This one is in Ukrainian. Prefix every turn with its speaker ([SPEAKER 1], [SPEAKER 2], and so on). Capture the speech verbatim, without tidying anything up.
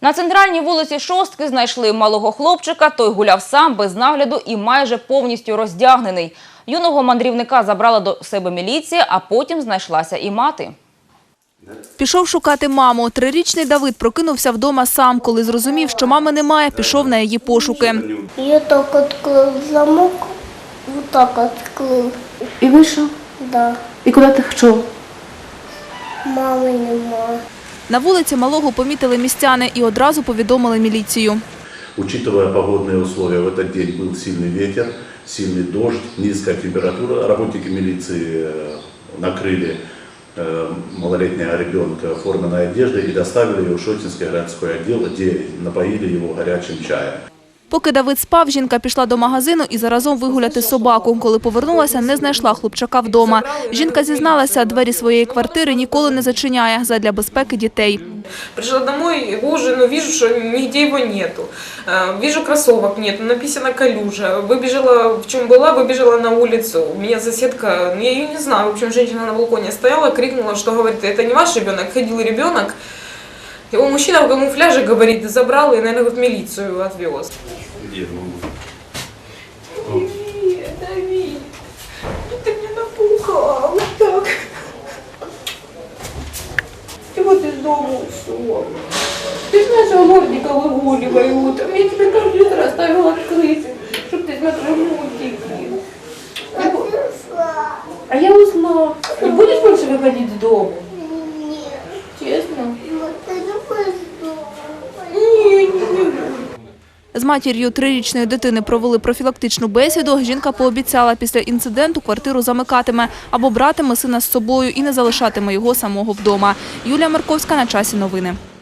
[SPEAKER 1] На центральній вулиці Шостки знайшли малого хлопчика. Той гуляв сам, без нагляду і майже повністю роздягнений. Юного мандрівника забрала до себе міліція, а потім знайшлася і мати.
[SPEAKER 2] Пішов шукати маму. Трирічний Давид прокинувся вдома сам. Коли зрозумів, що мами немає, пішов на її пошуки.
[SPEAKER 3] Я так відкрив замок, отак відкрив.
[SPEAKER 4] І вийшов?
[SPEAKER 3] Да.
[SPEAKER 4] І куди ти йшов?
[SPEAKER 3] Мами немає.
[SPEAKER 2] На вулиці малого помітили містяни і одразу повідомили міліцію.
[SPEAKER 5] Учитывая погодные условия, в этот день был сильный ветер, сильный дождь, низкая температура. Работники милиции накрыли малолетнего ребенка форменной одеждой и доставили его в Шостинский городской отдел, где напоили его горячим чаем.
[SPEAKER 2] Поки Давид спав, жінка пішла до магазину і заразом вигуляти собаку. Коли повернулася, не знайшла хлопчака вдома. Жінка зізналася, двері своєї квартири ніколи не зачиняє задля безпеки дітей.
[SPEAKER 6] Пришла домой, его уже, ну, вижу, что нигде его нету. Вижу, кроссовок нету, написано «Калюжа». Выбежала, в чем была, выбежала на улицу. У меня соседка, я ее не знаю, в общем, женщина на балконе стояла, крикнула, что говорит, это не ваш ребенок, ходил ребенок. Его мужчина в камуфляже, говорит, забрал и, наверное, в милицию отвез.
[SPEAKER 5] Где
[SPEAKER 6] Давид, Давид, ты меня напугал, вот так. И вот из дома ушел. Ты же нашего мордика выгуливают. Я тебе компьютер оставила открытым, чтобы ты смотрел мультики. А я узнала. Не будешь больше выходить из дома?
[SPEAKER 3] Ні.
[SPEAKER 6] Честно?
[SPEAKER 3] Ти не будеш вдома.
[SPEAKER 6] Ні, не буду.
[SPEAKER 2] З матір'ю трирічної дитини провели профілактичну бесіду. Жінка пообіцяла, після інциденту квартиру замикатиме або братиме сина з собою і не залишатиме його самого вдома. Юлія Марковська, на часі новини.